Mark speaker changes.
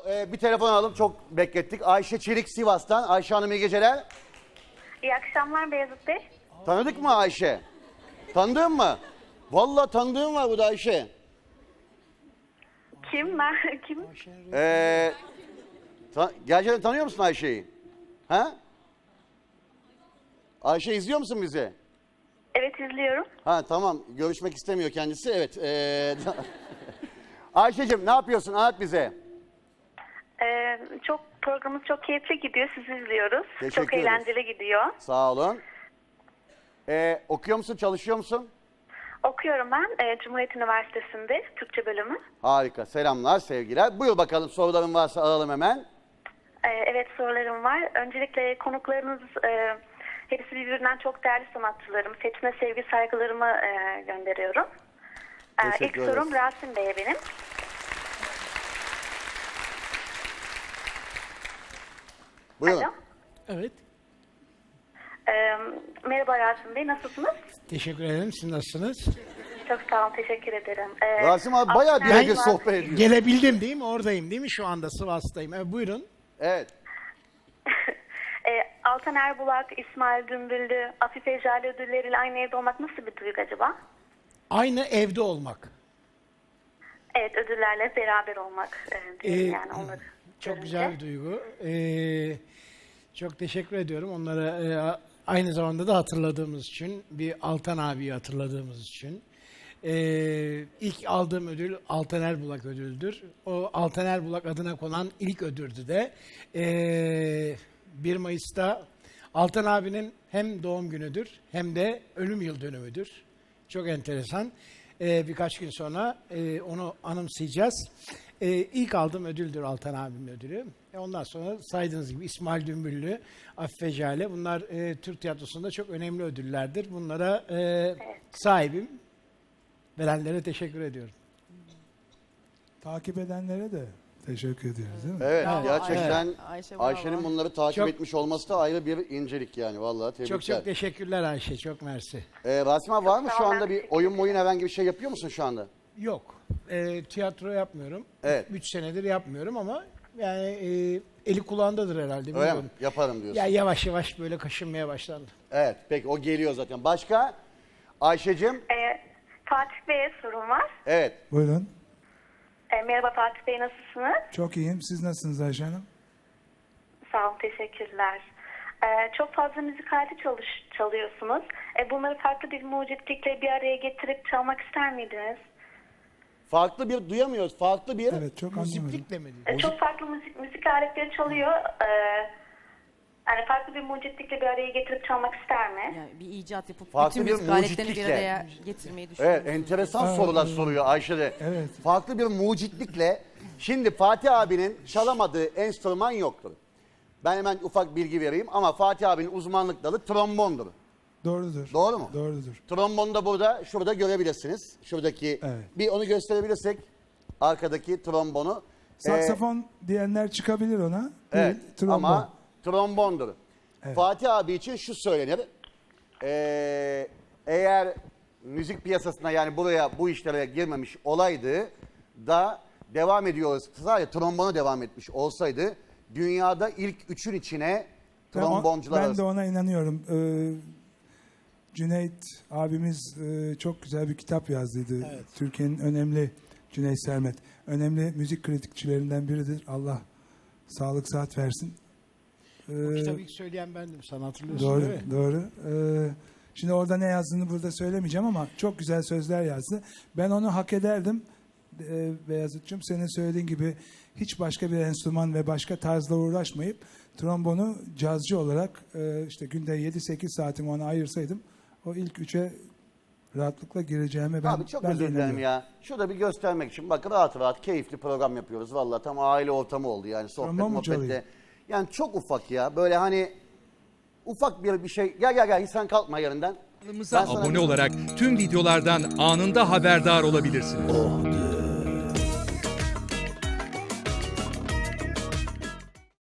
Speaker 1: Bir telefon alalım, çok beklettik. Ayşe Çelik Sivas'tan. Ayşe Hanım iyi geceler.
Speaker 2: İyi akşamlar Beyazıt Bey.
Speaker 1: Tanıdık mı Ayşe? Tanıdığın mı? Vallahi tanıdığım var burada Ayşe.
Speaker 2: Kim? Kim?
Speaker 1: Gerçekten tanıyor musun Ayşe'yi? Ha? Ayşe izliyor musun bizi?
Speaker 2: Evet izliyorum.
Speaker 1: Ha tamam, görüşmek istemiyor kendisi. Evet. Ayşe'cim ne yapıyorsun? Anlat bize.
Speaker 2: Programımız çok keyifli gidiyor. Sizi izliyoruz.
Speaker 1: Teşekkür
Speaker 2: Çok
Speaker 1: ederiz.
Speaker 2: eğlenceli gidiyor.
Speaker 1: Sağ olun. Okuyor musun, çalışıyor musun?
Speaker 2: Okuyorum ben. Cumhuriyet Üniversitesi'nde Türkçe bölümü.
Speaker 1: Harika. Selamlar, sevgiler. Buyur bakalım, soruların varsa alalım hemen.
Speaker 2: Evet sorularım var. Öncelikle konuklarınız hepsi birbirinden çok değerli sanatçılarım. Hepsine sevgi saygılarımı gönderiyorum.
Speaker 1: Teşekkür
Speaker 2: İlk sorum
Speaker 1: ederiz.
Speaker 2: Rasim Bey'e benim.
Speaker 1: Buyurun.
Speaker 2: Alo.
Speaker 3: Evet.
Speaker 2: Merhaba Rasim Bey, nasılsınız?
Speaker 3: Teşekkür ederim. Siz nasılsınız?
Speaker 2: Çok sağ olun, teşekkür ederim.
Speaker 1: Rasim abi bayağı
Speaker 2: Altan
Speaker 1: birebir
Speaker 2: Erbuğ-
Speaker 1: sohbet ediyor.
Speaker 3: Gelebildim değil mi? Oradayım değil mi? Şu anda Sivas'tayım. Evet, buyurun.
Speaker 1: Evet.
Speaker 2: Altan Erbulak, İsmail Dümbüllü, Afife Jale ödülleriyle aynı evde olmak nasıl bir duygu acaba?
Speaker 3: Aynı evde olmak.
Speaker 2: Evet, ödüllerle beraber olmak diyelim yani onları
Speaker 3: Çok
Speaker 2: görünce.
Speaker 3: güzel bir duygu. Çok teşekkür ediyorum. Onlara aynı zamanda da hatırladığımız için, bir Altan abiyi hatırladığımız için. İlk aldığım ödül Altan Erbulak ödüldür. O Altan Erbulak adına konan ilk ödüldü de 1 Mayıs'ta Altan abinin hem doğum günüdür hem de ölüm yıl dönümüdür. Çok enteresan. Birkaç gün sonra onu anımsayacağız. İlk aldığım ödüldür Altan abimin ödülü. Ondan sonra saydığınız gibi İsmail Dümbüllü, Afife Jale, bunlar Türk tiyatrosunda çok önemli ödüllerdir. Bunlara sahibim. Verenlere teşekkür ediyorum.
Speaker 4: Takip edenlere de teşekkür ediyoruz değil mi?
Speaker 1: Evet,
Speaker 5: Bravo,
Speaker 1: gerçekten
Speaker 5: Ayşe, bravo.
Speaker 1: Ayşe'nin bunları takip
Speaker 3: Çok-
Speaker 1: etmiş olması da ayrı bir incelik yani. Vallahi tebrikler.
Speaker 3: Çok çok teşekkürler Ayşe. Çok mersi.
Speaker 1: Rasim abi var mı
Speaker 2: Çok
Speaker 1: şu
Speaker 2: sağ ol,
Speaker 1: anda
Speaker 2: ben
Speaker 1: bir
Speaker 2: teşekkür
Speaker 1: oyun herhangi bir şey yapıyor musun şu anda?
Speaker 3: Yok. Tiyatro yapmıyorum.
Speaker 1: Evet.
Speaker 3: 3 senedir yapmıyorum ama yani eli kulağındadır herhalde.
Speaker 1: Öyle
Speaker 3: Bilmiyorum.
Speaker 1: mi? Yaparım diyorsun.
Speaker 3: Ya yavaş yavaş böyle kaşınmaya başlandı.
Speaker 1: Evet, peki o geliyor zaten. Başka? Ayşe'cim?
Speaker 2: Fatih Bey'e sorum var.
Speaker 1: Evet.
Speaker 4: Buyurun.
Speaker 2: Merhaba Fatih Bey, nasılsınız?
Speaker 4: Çok iyiyim. Siz nasılsınız Ayşe Hanım?
Speaker 2: Sağ olun, teşekkürler. Çok fazla müzik aleti çalıyorsunuz. Bunları farklı bir mucitlikle bir araya getirip çalmak ister miydiniz?
Speaker 1: Farklı bir duyamıyoruz. Farklı bir...
Speaker 4: Evet, çok anlamadım.
Speaker 3: Müziklikle mi diyor?
Speaker 2: Çok farklı müzik aletleri çalıyor. Yani farklı bir mucitlikle bir araya getirip çalmak ister mi?
Speaker 5: Yani bir icat yapıp
Speaker 1: Farklı
Speaker 5: bütün
Speaker 1: bir
Speaker 5: müzik aletlerini bir
Speaker 1: mucitlikle.
Speaker 5: araya getirmeyi
Speaker 1: Evet,
Speaker 5: düşünüyorsunuz.
Speaker 1: enteresan sorular soruyor Ayşe de.
Speaker 4: Evet.
Speaker 1: Farklı bir mucitlikle. Şimdi Fatih abinin çalamadığı enstrüman yoktur. Ben hemen ufak bilgi vereyim ama Fatih abinin uzmanlık dalı trombondur.
Speaker 4: Doğrudur.
Speaker 1: Doğru mu?
Speaker 4: Doğrudur.
Speaker 1: Trombonu da burada, şurada görebilirsiniz. Şuradaki,
Speaker 4: Evet.
Speaker 1: bir onu gösterebilirsek, arkadaki trombonu.
Speaker 4: Saksafon diyenler çıkabilir ona.
Speaker 1: Evet,
Speaker 4: Değil, trombon.
Speaker 1: ama trombondur.
Speaker 4: Evet.
Speaker 1: Fatih abi için şu söylenir. Eğer müzik piyasasına yani buraya bu işlere girmemiş olaydı da devam ediyoruz. Sadece trombona devam etmiş olsaydı dünyada ilk üçün içine tromboncular
Speaker 4: Ben de
Speaker 1: arasında.
Speaker 4: ona inanıyorum. Cüneyt abimiz çok güzel bir kitap yazdıydı.
Speaker 3: Evet.
Speaker 4: Türkiye'nin önemli, Cüneyt Sermet, önemli müzik kritikçilerinden biridir. Allah sağlık sıhhat versin.
Speaker 3: Bu kitabı ilk söyleyen bendim. Sen hatırlıyorsun
Speaker 4: Doğru,
Speaker 3: değil mi?
Speaker 4: doğru. Şimdi orada ne yazdığını burada söylemeyeceğim ama çok güzel sözler yazdı. Ben onu hak ederdim. Beyazıt'cığım senin söylediğin gibi hiç başka bir enstrüman ve başka tarzla uğraşmayıp trombonu cazcı olarak işte günde 7-8 saatimi ona ayırsaydım o ilk üçe rahatlıkla gireceğime
Speaker 1: Abi çok
Speaker 4: ben de
Speaker 1: özür dilerim
Speaker 4: inanıyorum.
Speaker 1: ya. Şurada bir göstermek için. Bakın rahat rahat keyifli program yapıyoruz. Vallahi tam aile ortamı oldu yani sohbet
Speaker 4: Trombon mu
Speaker 1: muhabbetle.
Speaker 4: çalayım?
Speaker 1: Yani çok ufak ya. Böyle hani ufak bir şey. Gel hiç sen kalkma yerinden.
Speaker 6: Kanalımıza
Speaker 1: Ben sana-
Speaker 6: abone olarak tüm videolardan anında haberdar olabilirsiniz.